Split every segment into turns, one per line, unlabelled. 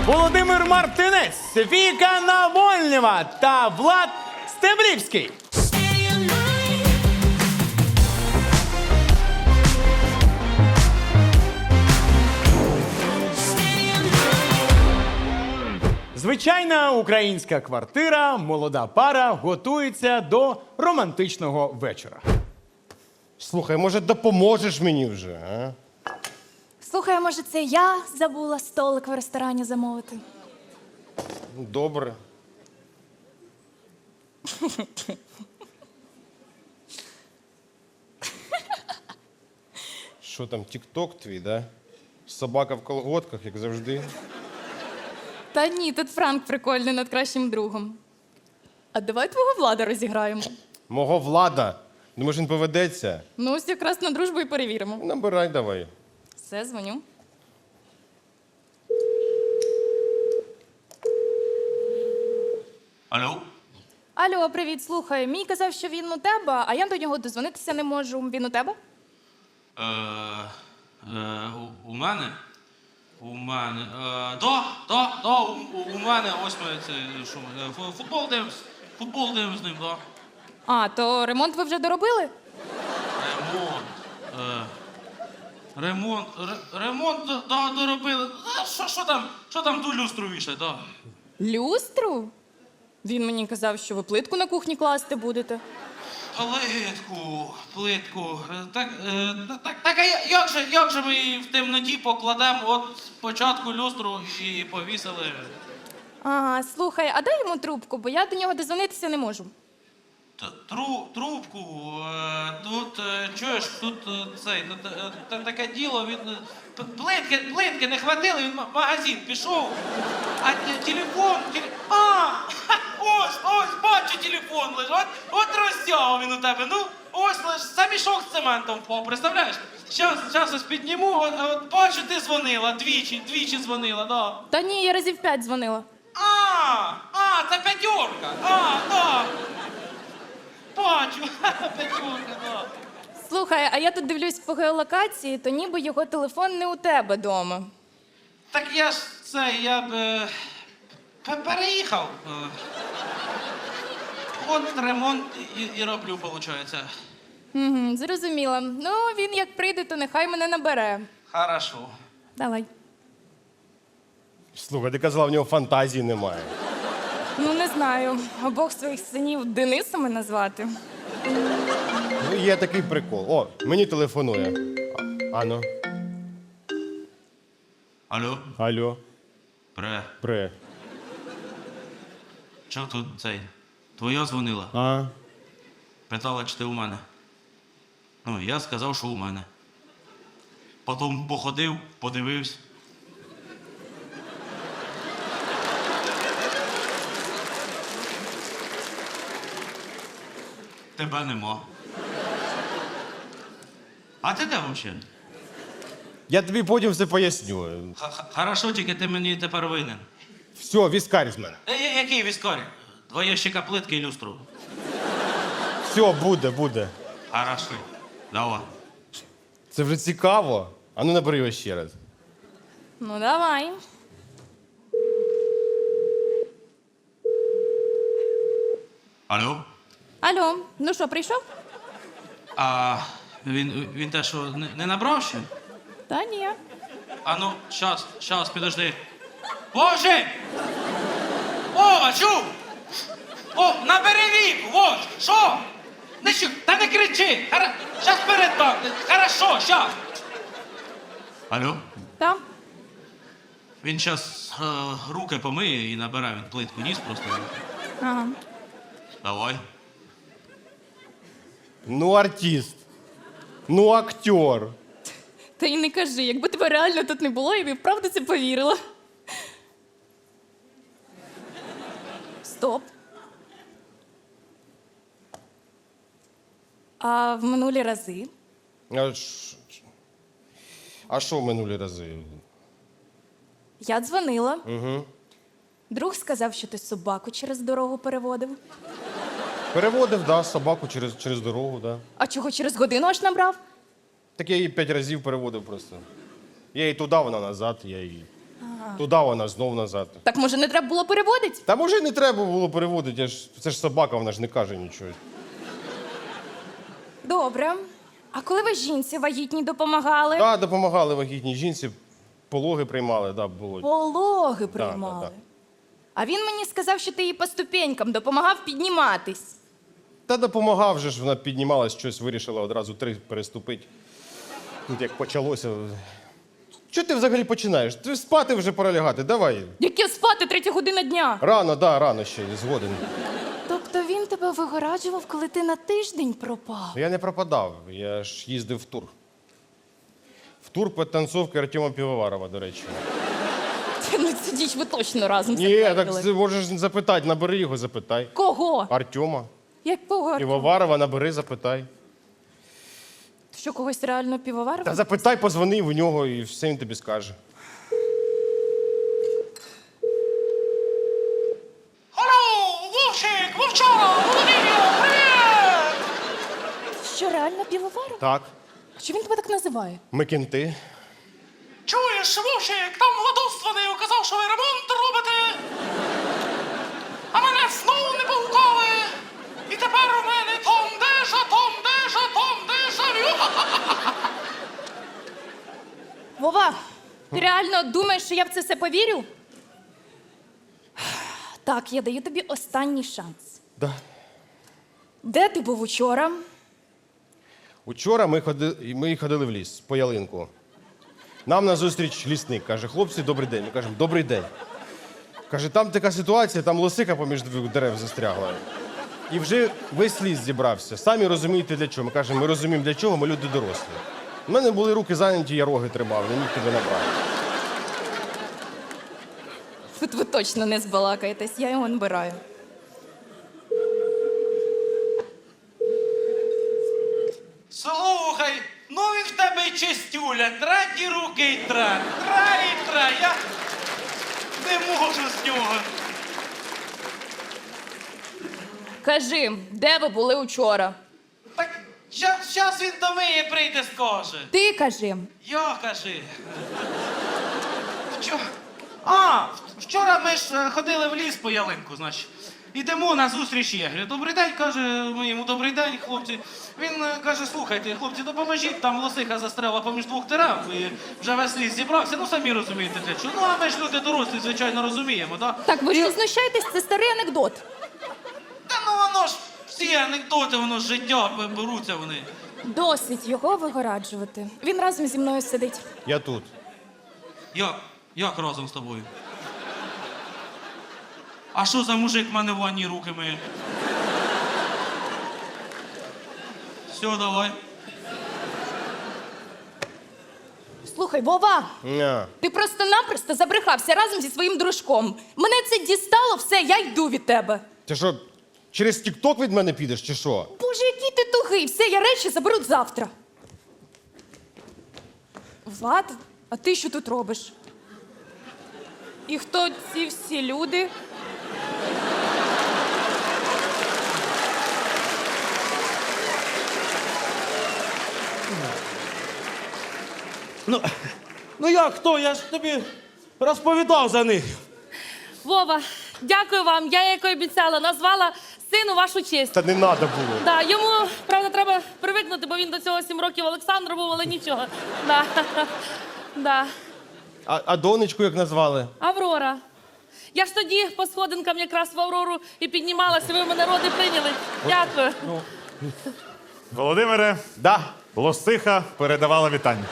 Володимир Мартинець, Віка Навольнєва та Влад Стеблівський. Звичайна українська квартира, молода пара готується до романтичного вечора.
Слухай, може, допоможеш мені вже, а?
Слухай, а може це я забула столик в ресторані замовити?
Добре. Що там, тік-ток твій, да? Собака в колготках, як завжди.
Та ні, тут Франк прикольний над кращим другом. А давай твого Влада розіграємо.
Мого Влада. Думаєш, він поведеться?
Ну, ось якраз на дружбу і перевіримо.
Набирай давай.
Все, дзвоню.
Алло?
Алло, привіт, слухай. Мій казав, що він у тебе, а я до нього дозвонитися не можу. Він у тебе?
У мене? У мене. У мене ось ми це що ми, футбол дивимось з ним, да.
А, то ремонт ви вже доробили?
Ремонт, да, доробили. Що там ту люстру вішать, да.
Люстру? Він мені казав, що ви плитку на кухні класти будете.
Плитку. Так, а як же ми її в темноті покладемо от спочатку люстру і повісили?
Ага, слухай, а дай йому трубку, бо я до нього дозвонитися не можу.
Трубку, тут, чуєш, тут таке діло, він, плитки не хватило, він в магазин пішов, а телефон, ось, бачу, телефон лежить, от розтягав він у тебе, ну, ось лиш, за мішок з цементом впав, представляєш? Щас ось підніму, от бачу, ти дзвонила, двічі дзвонила, да.
Та ні, я разів 5 дзвонила.
Це п'ятерка, да. Бачу, п'ятерка, да.
Слухай, а я тут дивлюсь по геолокації, то ніби його телефон не у тебе дома.
Так я б переїхав. От ремонт і роблю, виходить.
Угу, зрозуміла. Ну, він як прийде, то нехай мене набере.
Хорошо.
Давай.
Слухай, ти казала, в нього фантазії немає.
Ну, не знаю, обох своїх синів Денисами назвати.
Ну, є такий прикол. О, мені телефонує. Ано.
Алло,
Алло. Пре.
Чого тут цей? Твоя дзвонила?
А?
Питала, чи ти у мене. Ну, я сказав, що у мене. Потім походив, подивився. Тебе нема. А ти де взагалі?
Я тобі потім все поясню.
Хорошо, тільки ти мені тепер винен.
Все, віскарь з мене.
Який віскарь? Твоє ще каплитки і люстру.
Все, буде.
Хорошо. Давай.
Це вже цікаво. А ну набери його ще раз.
Ну, давай.
Алло?
Алло, ну що, прийшов?
А він те, що не набрав ще?
Та ні.
А ну, щас, підожди. Боже! О, чув! О, набери віку, вот, що? Та не кричи! Щас передам, хорошо, щас. Алло?
Та?
Він щас руки помиє і набирає, він плитку ніс просто.
Ага.
Давай.
Ну, артист. Ну, актер.
Та й не кажи, якби тебе реально тут не було, я б і вправду це повірила. Стоп. А в минулі рази?
А що в минулі рази?
Я дзвонила.
Угу.
Друг сказав, що ти собаку через дорогу переводив.
Переводив, да, собаку через дорогу, да.
А чого через годину аж набрав?
Так я її 5 разів переводив просто. Я її туди, вона назад, я її. Туди вона, знов назад.
Так може не треба було переводити?
Та може не треба було переводити, це ж собака, вона ж не каже нічого.
Добре. А коли ви жінці вагітній допомагали?
Так, допомагали вагітній жінці, пологи приймали, да, було.
Пологи приймали.
да.
А він мені сказав, що ти їй по ступенькам допомагав підніматись.
Та допомагав же ж, вона піднімалась, щось вирішила одразу 3 переступити. Тут як почалося. Що ти взагалі починаєш? Ти спати вже пора лягати, давай.
Яке спати 3 година дня?
Рано, да, рано ще, згоден.
Тобто він тебе вигораджував, коли ти на тиждень пропав?
Я не пропадав, я ж їздив в тур. В тур підтанцовки Артема Півоварова, до речі.
Ну, цю діч ви точно разом
Ні, так
затвердили.
ти можеш запитати, набери його, запитай.
Кого?
Артема.
Якого?
Півоварова, набери, запитай.
Що, когось реально півоварив?
Та запитай, позвони в нього і все він тобі скаже.
Алло, Вовчик, Вовчара, Володимир, привіт!
Що, реально півоварив?
Так,
Що він тебе так називає?
ми кінти.
Чуєш, Вовчик, там Владос дзвонив, казав, що ви ремонт робите. А мене знову не погукали. І тепер у мене Том Дежа, Том Дежа, Том Дежа.
Вова, ти реально думаєш, що я в це все повірю? Так, я даю тобі останній шанс.
Да.
Де ти був учора?
Учора ми ходили в ліс по ялинку. Нам назустріч лісник. Каже, хлопці, добрий день. Ми кажемо, добрий день. Каже, там така ситуація, там лосика поміж дерев застрягла. І вже весь ліс зібрався. Самі розумієте для чого. Ми кажемо, ми розуміємо для чого, ми люди дорослі. У мене були руки зайняті, я роги тримав, не міг тебе набрати.
Тут ви точно не збалакаєтесь, я його набираю.
Слухай, ну він в тебе й чистюля, третій руки й тре. Тре і тре, я не можу з нього.
Кажи, де ви були учора?
Так щас він до мене прийде, скаже.
Ти кажи.
Я кажи. А, вчора ми ж ходили в ліс по ялинку, значить. Ідемо на зустріч єгрі. Добрий день, каже, ми йому добрий день, хлопці. Він каже, слухайте, хлопці, допоможіть, там лосиха застряла поміж 2 дерев, і вже весь ліс зібрався, ну самі розумієте для чого. Ну, а ми ж люди дорослі, звичайно, розуміємо, так?
Так, ви ж не знущаєтесь, це старий анекдот.
Та ну воно ж, всі анекдоти, воно з життя беруться вони.
Досить його вигораджувати. Він разом зі мною сидить.
Я тут.
Як разом з тобою? А що за мужик в мене в ванні руки миє? Все, давай.
Слухай, Вова,
Ня.
ти просто-напросто забрехався разом зі своїм дружком. Мене це дістало, все, я йду від тебе.
Ти що, через тік-ток від мене підеш, чи що?
Боже, який ти тугий, все, я речі заберу завтра. Влад, а ти що тут робиш? І хто ці всі люди?
Ну як хто? Я ж тобі розповідав за них.
Вова, дякую вам. Я, як і обіцяла, назвала сину вашу честь.
Та не треба було.
Да, йому, правда, треба привикнути, бо він до цього 7 років Олександр був, але нічого. Да. Да.
А донечку як назвали?
Аврора. Я ж тоді по сходинкам якраз в Аврору і піднімалася, ви мене роди прийняли. Дякую.
Володимире,
Да.
лосиха передавала вітання.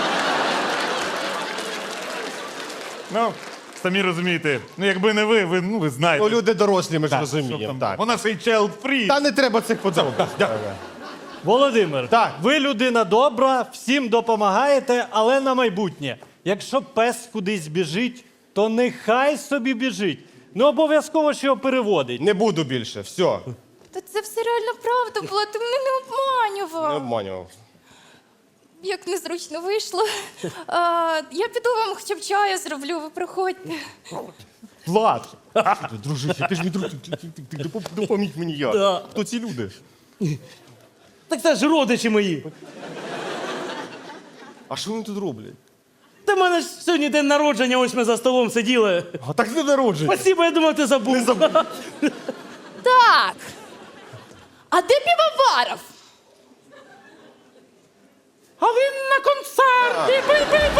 Ну, самі розумієте, ну якби не ви, ви знаєте.
Ну, люди дорослі, ми ж
Так,
розуміємо.
що там.
Так.
Вона ще й child-free.
Та не треба цих подробиць.
Володимир,
Так.
ви людина добра, всім допомагаєте, але на майбутнє. Якщо пес кудись біжить, то нехай собі біжить. Не обов'язково, що його переводить.
Не буду більше, все.
Та це все реально правда була, ти мене не обманював.
Не обманював.
Як незручно вийшло. Я піду вам хоча б чаю зроблю, ви приходьте.
Влад! Дружище, ти ж мій друг, ти допоміг мені як.
Да.
Хто ці люди?
Так це ж родичі мої.
А що вони тут роблять?
Та в мене ж сьогодні день народження, ось ми за столом сиділи.
А так не народження.
Спасибо, я думав, ти забув.
Так. А де Півоваров?
А він на концерті.